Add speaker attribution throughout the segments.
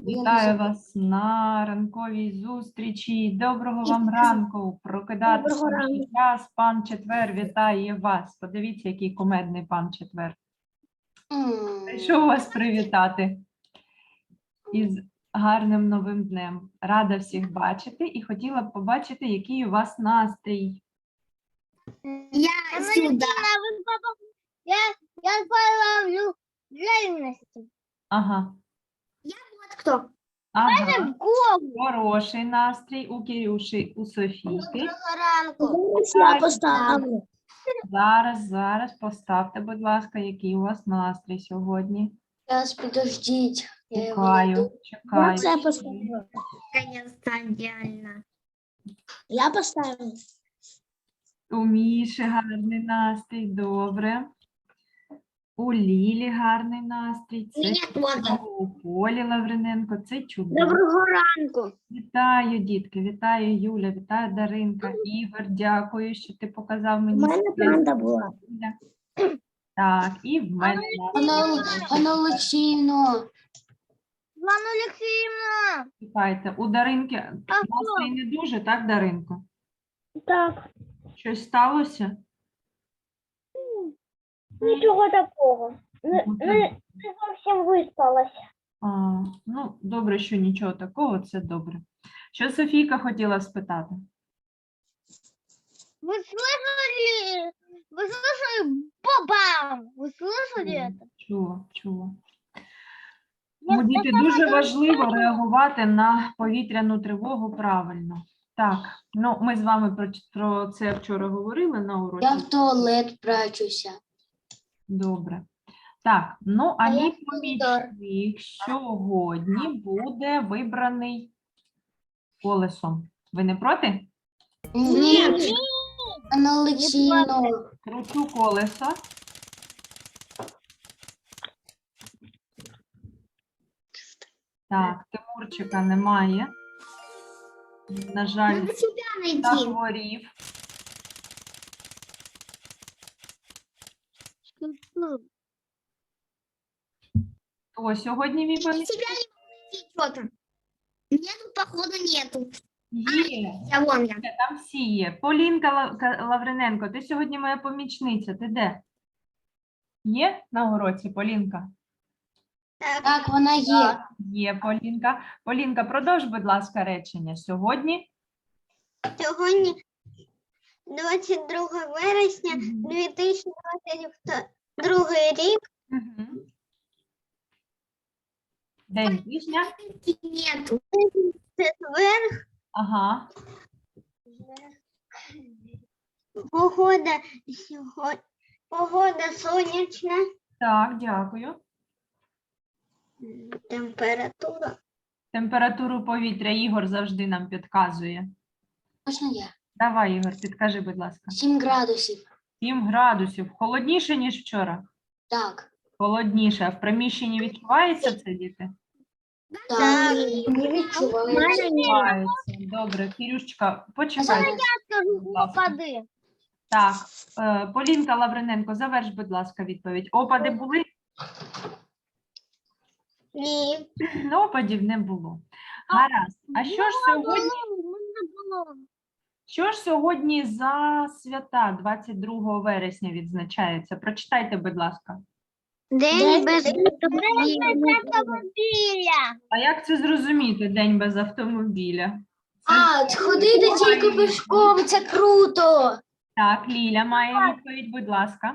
Speaker 1: Вітаю вас на ранковій зустрічі. Доброго вам ранку. Прокидатися вже час. Пан Четвер вітає вас. Подивіться, який кумедний пан Четвер. Прийшов вас привітати із гарним новим днем. Рада всіх бачити і хотіла б побачити, який у вас настрій.
Speaker 2: Я сюда. Я половлю реальности.
Speaker 1: Ага.
Speaker 2: Вот кто.
Speaker 1: Ага.
Speaker 2: В голову.
Speaker 1: Хороший настрій у Кирюші, у Софійки.
Speaker 2: Я поставлю.
Speaker 1: Зараз поставте, будь ласка, який у вас настрій сьогодні.
Speaker 2: Сейчас, подождите.
Speaker 1: Чекаю.
Speaker 2: Я поставлю. Наконец-то идеально. Я поставлю.
Speaker 1: У Міші гарний настрій, добре. У Лілі гарний настрій. Це у Полі Лавриненко, це чудово.
Speaker 2: Доброго ранку.
Speaker 1: Вітаю, дітки, вітаю, Юля, вітаю, Даринка. Ігор, дякую, що ти показав мені.
Speaker 2: У мене панда була.
Speaker 1: Так, і в мене
Speaker 2: Анна Олексіївна. Анна Олексіївна.
Speaker 1: чекайте. У Даринки настрій не дуже, так, Даринко?
Speaker 2: Так.
Speaker 1: Щось сталося?
Speaker 2: Нічого такого. Не зовсім виспалася.
Speaker 1: Ну, добре, що нічого такого, це добре. Що Софійка хотіла спитати?
Speaker 2: Вы слышали? Вы слышали? Бабам! Вы слышали это?
Speaker 1: Чула. Тому, діти, дуже важливо реагувати на повітряну тривогу правильно. Так, ну ми з вами про це вчора говорили на уроці.
Speaker 2: Я в туалет прячуся.
Speaker 1: Добре. Так, ну а
Speaker 2: я
Speaker 1: мій
Speaker 2: в коридор.
Speaker 1: помічник сьогодні буде вибраний колесом. Ви не проти?
Speaker 2: Ні. Анна Олексіївна.
Speaker 1: Кручу колесо. Так, Тимурчика немає. На жаль,
Speaker 2: Надо себя найти.
Speaker 1: захворів. Хто сьогодні мій помічник?
Speaker 2: Себя не найти что-то. Нету, походу, нету.
Speaker 1: Є.
Speaker 2: Я вон я.
Speaker 1: Там всі є. Полінка Лавриненко, ти сьогодні моя помічниця. Ти де? Є на уроці, Полінка?
Speaker 2: Так, вона є.
Speaker 1: Так, є, Полінка. Полінка, продовж, будь ласка, речення. Сьогодні?
Speaker 3: Сьогодні 22 вересня 2022 рік.
Speaker 1: Угу. День тижня.
Speaker 2: Нету.
Speaker 3: Четвер.
Speaker 1: Ага.
Speaker 3: Погода сьогодні. Погода сонячна.
Speaker 1: Так, дякую.
Speaker 3: Температура.
Speaker 1: Температуру повітря Ігор завжди нам підказує.
Speaker 2: Можна я?
Speaker 1: Давай, Ігор, підкажи, будь ласка.
Speaker 2: 7 градусів.
Speaker 1: 7 градусів. Холодніше, ніж вчора?
Speaker 2: Так.
Speaker 1: Холодніше. А в приміщенні відчувається це, діти?
Speaker 2: Так. Не відчуваю.
Speaker 1: Відчувається. Добре. Кирюшечка, почекай. будь ласка.
Speaker 3: Опади.
Speaker 1: Так, Полінка Лавриненко, заверш, будь ласка, відповідь. Опади були?
Speaker 3: Ні.
Speaker 1: Ну, опадів не було. Гаразд. А що ж сьогодні за свята 22 вересня відзначається? Прочитайте, будь ласка.
Speaker 3: День без
Speaker 2: автомобіля.
Speaker 1: А як це зрозуміти, день без автомобіля?
Speaker 2: Ходити тільки пішком, це круто.
Speaker 1: Так, Ліля має відповідь, будь ласка.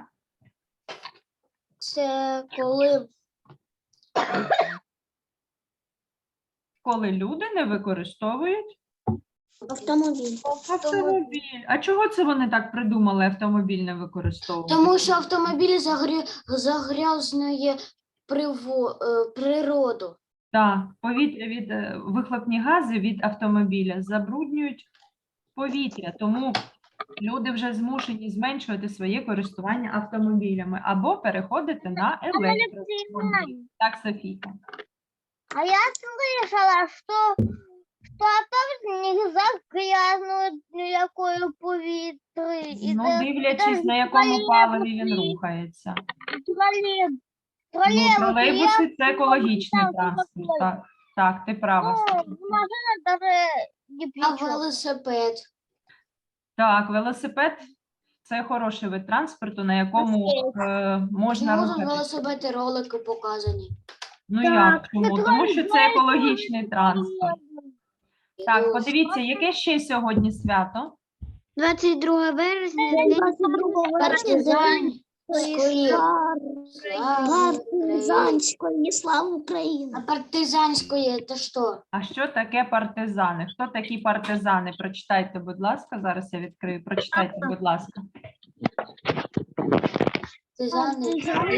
Speaker 2: Це
Speaker 1: Коли люди не використовують
Speaker 2: автомобіль.
Speaker 1: автомобіль. А чого це вони так придумали автомобіль не використовувати?
Speaker 2: Тому що автомобіль загрязнює природу.
Speaker 1: Так, повітря від вихлопні гази від автомобіля забруднюють повітря, тому люди вже змушені зменшувати своє користування автомобілями або переходити на електромобіль. Так, Софійка.
Speaker 3: А я слышала, что автобус нельзя грязнуть ніякою повітря.
Speaker 1: Ну, дивлячись, на якому паливі він рухається. Ну, тролейбуси – це екологічний транспорт, так. Так, ти права.
Speaker 3: Ну,
Speaker 1: Софія.
Speaker 3: машина даже не
Speaker 2: А
Speaker 3: плечо.
Speaker 2: велосипед?
Speaker 1: Так, велосипед це хороший вид транспорту, на якому можна
Speaker 2: Чому тут
Speaker 1: рухатися.
Speaker 2: велосипед і ролики показані?
Speaker 1: Ну
Speaker 3: Так,
Speaker 1: як чому?
Speaker 3: це
Speaker 1: Тому що це
Speaker 3: твоє
Speaker 1: екологічний транспорт. Так, подивіться, яке ще сьогодні свято?
Speaker 2: 22 березня,
Speaker 3: Партизанської слави України.
Speaker 2: А партизанської це що?
Speaker 1: А що таке партизани? Хто такі партизани? Прочитайте, будь ласка. Зараз я відкрию. Прочитайте, будь ласка.
Speaker 2: Партизани.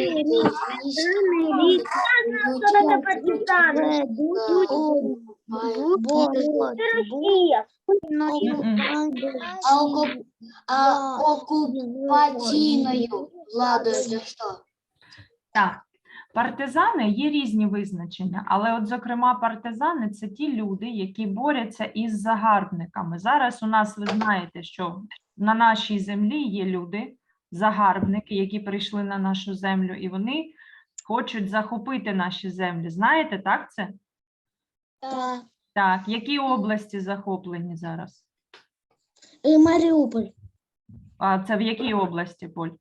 Speaker 1: М-м.
Speaker 2: А окупаційною владою це що?
Speaker 1: Так, партизани є різні визначення, але от, зокрема, партизани – це ті люди, які борються із загарбниками. Зараз у нас, ви знаєте, що на нашій землі є люди, загарбники, які прийшли на нашу землю, і вони хочуть захопити наші землі. Знаєте, так це? Так, які області захоплені зараз?
Speaker 3: Маріуполь.
Speaker 1: А це в якій області, Поль?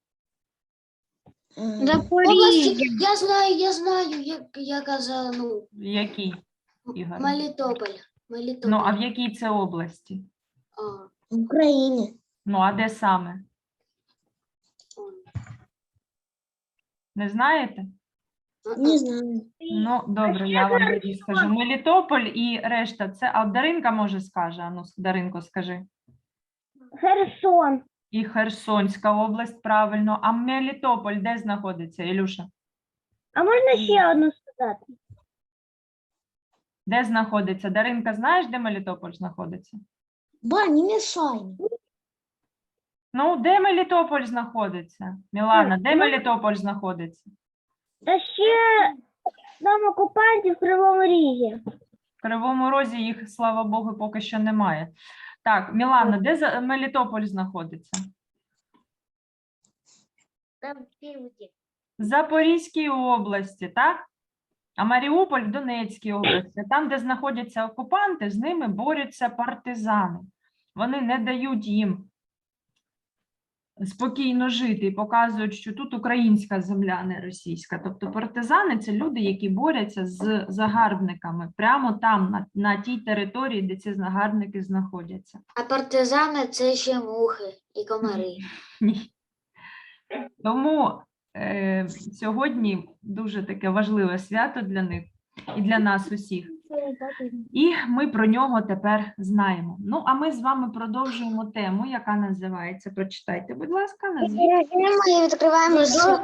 Speaker 2: Області, я знаю, як я казала, ну,
Speaker 1: В якій, Ігор?
Speaker 2: Мелітополь.
Speaker 1: Ну, а в якій це області?
Speaker 2: А,
Speaker 3: В Україні.
Speaker 1: Ну, а де саме? Не знаєте?
Speaker 3: Не знаю.
Speaker 1: Ну, добре, я вам тоді скажу. Мелітополь і решта, це, а Даринка може скаже, а ну, Даринко, скажи.
Speaker 3: Херсон.
Speaker 1: І Херсонська область, правильно. А Мелітополь де знаходиться, Ілюша?
Speaker 3: А можна ще одну сказати?
Speaker 1: Де знаходиться? Даринка, знаєш, де Мелітополь знаходиться?
Speaker 3: Ба, не мішай.
Speaker 1: Ну, де Мелітополь знаходиться? Мілана, де Мелітополь знаходиться?
Speaker 3: Та ще там окупантів в Кривому Різі.
Speaker 1: В Кривому Розі їх, слава Богу, поки що немає. Так, Мілана, де Мелітополь знаходиться?
Speaker 3: Там півді.
Speaker 1: В Запорізькій області, так? А Маріуполь в Донецькій області. Там, де знаходяться окупанти, з ними борються партизани. Вони не дають їм спокійно жити і показують, що тут українська земля, не російська. Тобто партизани – це люди, які борються з загарбниками прямо там, на тій території, де ці загарбники знаходяться.
Speaker 2: а партизани це ще мухи і комари.
Speaker 1: Ні. Тому сьогодні дуже таке важливе свято для них і для нас усіх. І ми про нього тепер знаємо. Ну, а ми з вами продовжуємо тему, яка називається, прочитайте, будь ласка, назвіть.
Speaker 2: Ми відкриваємо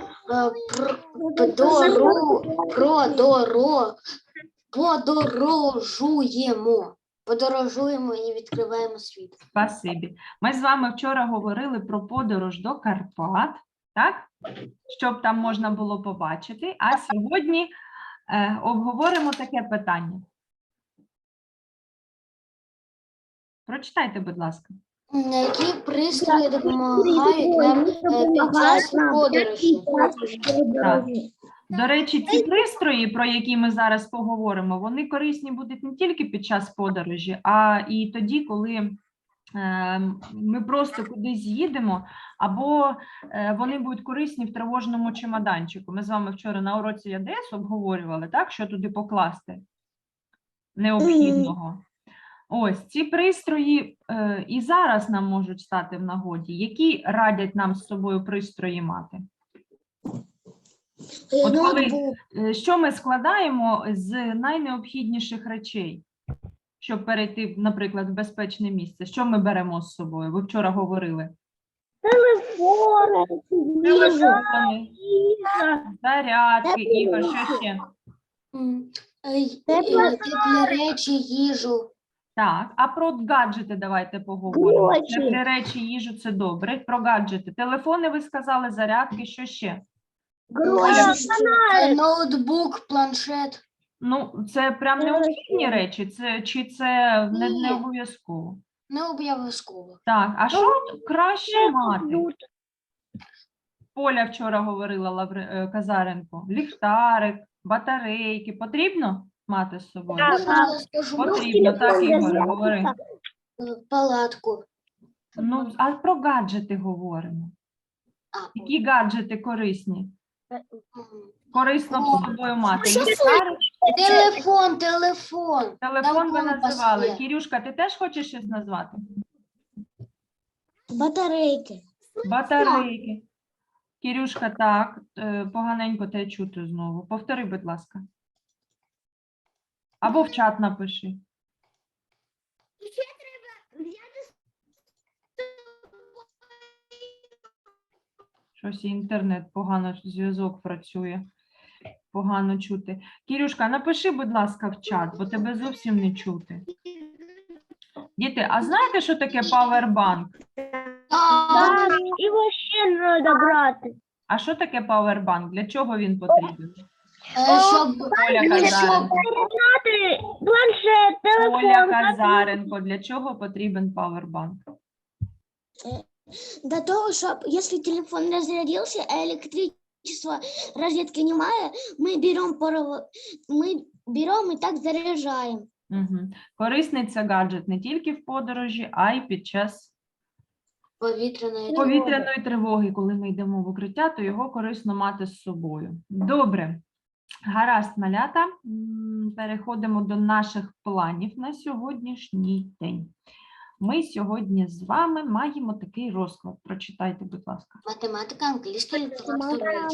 Speaker 2: подорожуємо і відкриваємо світ.
Speaker 1: Спасибі. Ми з вами вчора говорили про подорож до Карпат, так? Щоб там можна було побачити. А сьогодні обговоримо таке питання. Прочитайте, будь ласка.
Speaker 2: Які пристрої допомагають нам під час подорожі?
Speaker 1: Так. До речі, ці пристрої, про які ми зараз поговоримо, вони корисні будуть не тільки під час подорожі, а і тоді, коли ми просто кудись їдемо, або вони будуть корисні в тривожному чемоданчику. Ми з вами вчора на уроці ЯДС обговорювали, так, що туди покласти необхідного. Ось, ці пристрої і зараз нам можуть стати в нагоді. Які радять нам з собою пристрої мати? От коли, що ми складаємо з найнеобхідніших речей, щоб перейти, наприклад, в безпечне місце? Що ми беремо з собою? Ви вчора говорили. Телефони, зарядки, Ігор, що ще?
Speaker 2: Теплі речі, їжу.
Speaker 1: Так, а про гаджети давайте поговоримо. Теплі речі, їжу – це добре. Про гаджети. Телефони, ви сказали, зарядки, що ще?
Speaker 2: Ноутбук, планшет.
Speaker 1: Ну, це прям необхідні речі, чи це не обов'язково?
Speaker 2: Не обов'язково.
Speaker 1: Так, а що краще мати? Поля вчора говорила, Казаренко. Ліхтарик, батарейки. Потрібно? мати з собою?
Speaker 3: Так.
Speaker 1: Потрібно, так, Ігоре, говори.
Speaker 2: Палатку.
Speaker 1: Ну, а про гаджети говоримо. Які гаджети корисні? Корисно б з собою мати. Ліхтарик?
Speaker 2: Телефон.
Speaker 1: Телефон ви
Speaker 2: компас
Speaker 1: називали.
Speaker 2: є.
Speaker 1: Кірюшка, ти теж хочеш щось назвати?
Speaker 3: Батарейки.
Speaker 1: Батарейки. Кірюшка, так, поганенько те чути знову. Повтори, будь ласка. Або в чат напиши. Щось інтернет погано, зв'язок працює. Погано чути. Кірюшка, напиши, будь ласка, в чат, бо тебе зовсім не чути. Діти, а знаєте, що таке павербанк?
Speaker 3: Так, його ще треба брати.
Speaker 1: А що таке павербанк? Для чого він потрібен?
Speaker 2: Щоб
Speaker 1: Оля Казаренко.
Speaker 3: Брати планшет,
Speaker 1: Оля
Speaker 3: телефон.
Speaker 1: Казаренко, для чого потрібен павербанк?
Speaker 4: До того, щоб якщо телефон розрядився, а електричества розетки немає, ми беремо і так заряджаємо.
Speaker 1: Угу. Корисний це гаджет не тільки в подорожі, а й під час повітряної тривоги. Коли ми йдемо в укриття, то його корисно мати з собою. Добре. Гаразд, малята. Переходимо до наших планів на сьогоднішній день. Ми сьогодні з вами маємо такий розклад. Прочитайте, будь ласка.
Speaker 2: математика, англійська література,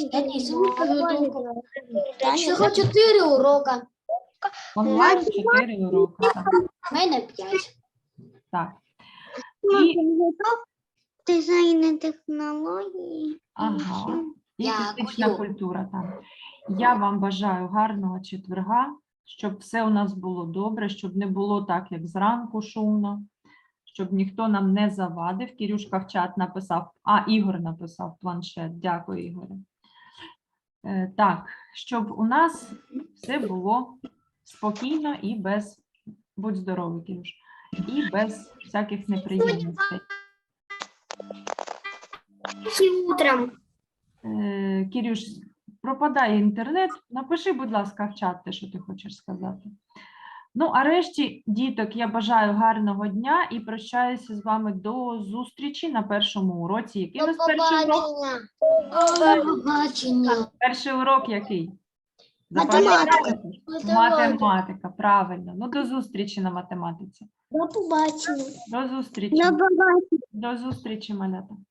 Speaker 4: Таня,
Speaker 2: всього 4 урока.
Speaker 1: Онлайн 4 уроки. Так.
Speaker 2: У мене 5.
Speaker 1: Так. І,
Speaker 3: Дизайн технології.
Speaker 1: ага, і
Speaker 2: Дякую.
Speaker 1: фізична культура там. Я вам бажаю гарного четверга, щоб все у нас було добре, щоб не було так, як зранку шумно, щоб ніхто нам не завадив. Кірюшка в чат написав, Ігор написав планшет. Дякую, Ігоре. Так, щоб у нас все було спокійно і без, будь здоровий, Кірюш, і без всяких неприємностей.
Speaker 3: Утром.
Speaker 1: Кірюш, пропадає інтернет. Напиши, будь ласка, в чат те, що ти хочеш сказати. Ну, а решті, діток, я бажаю гарного дня і прощаюся з вами до зустрічі на першому уроці. Який у нас перший урок?
Speaker 2: Побачення.
Speaker 1: Перший урок який?
Speaker 4: Математика.
Speaker 1: Запам'ятали? Математика, правильно. Ну, до зустрічі на математиці.
Speaker 4: до побачення.
Speaker 1: До зустрічі. До зустрічі, малята.